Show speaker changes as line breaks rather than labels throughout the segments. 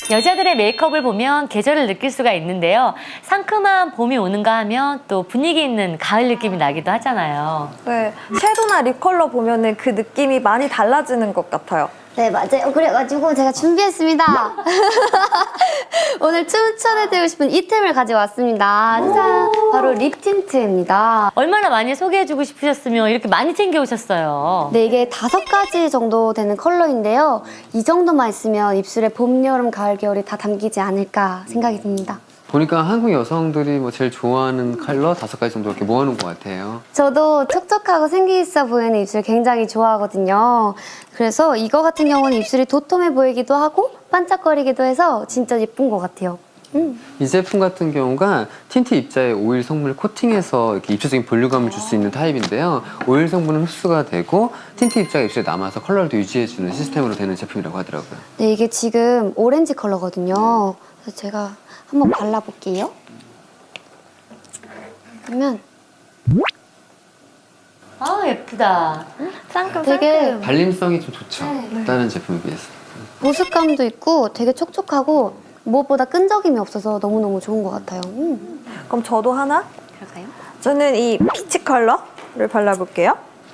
여자들의 메이크업을 보면 계절을 느낄 수가 있는데요. 상큼한 봄이 오는가 하면 또 분위기 있는 가을 느낌이 나기도 하잖아요.
네, 섀도우나 립 컬러 보면은 그 느낌이 많이 달라지는 것 같아요.
네, 맞아요. 그래가지고 제가 준비했습니다. 오늘 추천해드리고 싶은 이템을 가져왔습니다. 짜잔! 바로 립 틴트입니다.
얼마나 많이 소개해주고 싶으셨으면 이렇게 많이 챙겨오셨어요.
네, 이게 5가지 정도 되는 컬러인데요. 이 정도만 있으면 입술에 봄, 여름, 가을, 겨울이 다 담기지 않을까 생각이 듭니다.
보니까 한국 여성들이 뭐 제일 좋아하는 컬러 5가지 정도 이렇게 모아놓은 것 같아요.
저도 촉촉하고 생기 있어 보이는 입술 굉장히 좋아하거든요. 그래서 이거 같은 경우는 입술이 도톰해 보이기도 하고 반짝거리기도 해서 진짜 예쁜 것 같아요.
이 제품 같은 경우가 틴트 입자에 오일 성분을 코팅해서 이렇게 입체적인 볼륨감을 줄 수 있는 타입인데요. 오일 성분은 흡수가 되고 틴트 입자가 입술에 남아서 컬러를 또 유지해주는 시스템으로 되는 제품이라고 하더라고요.
네, 이게 지금 오렌지 컬러거든요. 그래서 제가 한번 발라볼게요. 그러면
아, 예쁘다.
상큼
되게
상큼.
발림성이 좀 좋죠.
네.
다른 제품에 비해서.
보습감도 있고 되게 촉촉하고 무엇보다 끈적임이 없어서 너무너무 좋은 것 같아요.
그럼 저도 하나?
그럴까요?
저는 이 피치 컬러를 발라볼게요.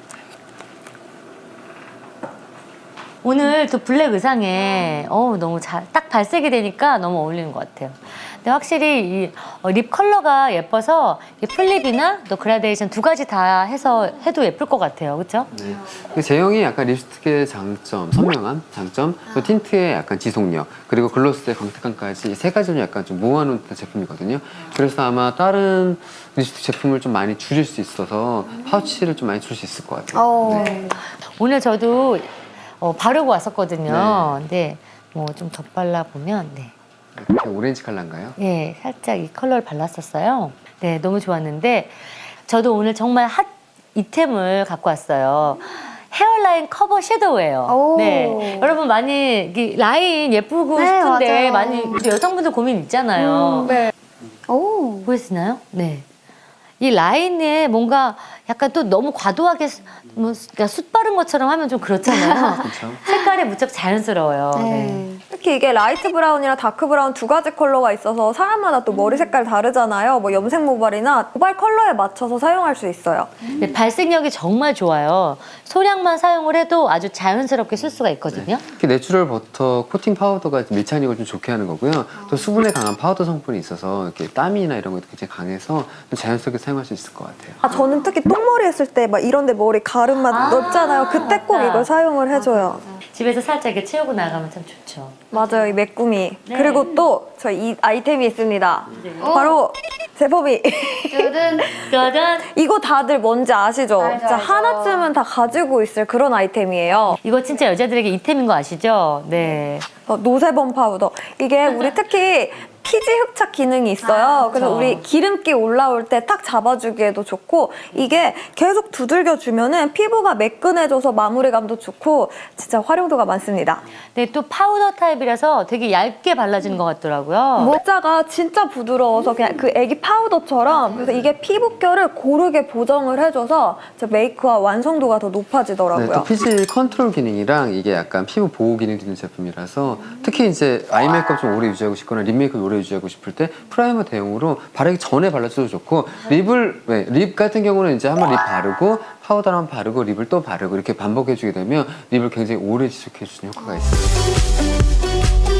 오늘 또 블랙 의상에 너무 딱 발색이 되니까 너무 어울리는 것 같아요. 근데 확실히 이 립 컬러가 예뻐서 이 플립이나 또 그라데이션 2가지 다 해서 해도 예쁠 것 같아요. 그렇죠?
네. 그 제형이 약간 립스틱의 장점, 선명함, 장점, 또 틴트의 약간 지속력, 그리고 글로스의 광택감까지 이 3가지를 약간 좀 모아놓은 제품이거든요. 그래서 아마 다른 립스틱 제품을 좀 많이 줄일 수 있어서 파우치를 좀 많이 줄 수 있을 것 같아요. 네.
오늘 저도 바르고 왔었거든요. 근데 뭐 좀 덧발라 보면
이렇게 오렌지 컬러인가요?
네, 살짝 이 컬러를 발랐었어요. 네, 너무 좋았는데 저도 오늘 정말 핫 이템을 갖고 왔어요. 헤어라인 커버 섀도우예요.
오.
네, 여러분 많이 이 라인 예쁘고
네,
싶은데
맞아요.
많이 여성분들 고민 있잖아요.
네.
오.
보이시나요? 네. 이 라인에 뭔가 약간 또 너무 과도하게 그러니까 숯 바른 것처럼 하면 좀 그렇잖아요.
그렇죠.
색깔이 무척 자연스러워요. 네.
네.
특히 이게 라이트 브라운이랑 다크 브라운 2가지 컬러가 있어서 사람마다 또 머리 색깔 다르잖아요. 뭐 염색 모발이나 모발 컬러에 맞춰서 사용할 수 있어요.
네, 발색력이 정말 좋아요. 소량만 사용을 해도 아주 자연스럽게 쓸 수가 있거든요.
특히 내추럴 버터 코팅 파우더가 밀착력을 좀 좋게 하는 거고요. 또 수분에 강한 파우더 성분이 있어서 이렇게 땀이나 이런 것도 굉장히 강해서 좀 자연스럽게 사용할 수 있을 것 같아요.
아, 저는 특히 똥머리 했을 때 막 이런데 머리 가름만 넓잖아요. 그때 꼭
맞다.
이걸 사용을 해줘요.
집에서 살짝 이렇게 채우고 나가면 참 좋죠.
맞아요, 이 메꾸미.
네.
그리고 또 저 이 아이템이 있습니다. 바로 제법이
둘은
짜잔!
이거 다들 뭔지 아시죠?
알죠,
진짜
알죠.
하나쯤은 다 가지고 있을 그런 아이템이에요.
이거 진짜 여자들에게 이템인 거 아시죠? 네.
노세범 파우더. 이게 우리 특히 피지 흡착 기능이 있어요. 그래서
그렇죠.
우리 기름기 올라올 때 탁 잡아주기에도 좋고 이게 계속 두들겨주면은 피부가 매끈해져서 마무리감도 좋고 진짜 활용도가 많습니다.
근데 또 파우더 타입이라서 되게 얇게 발라지는 것 같더라고요.
모자가 진짜 부드러워서 그냥 그 애기 파우더처럼 그래서 이게 피부결을 고르게 보정을 해줘서 진짜 메이크업 완성도가 더
네,
높아지더라고요.
또 피지 컨트롤 기능이랑 이게 약간 피부 보호 기능이 있는 제품이라서 특히 이제 아이 메이크업 좀 오래 유지하고 싶거나 립 메이크업 오래 유지하고 싶을 때 프라이머 대용으로 바르기 전에 발라줘도 좋고 립 같은 경우는 이제 한번 립 바르고 파우더를 한번 바르고 립을 또 바르고 이렇게 반복해주게 되면 립을 굉장히 오래 지속해주는 효과가 있어요.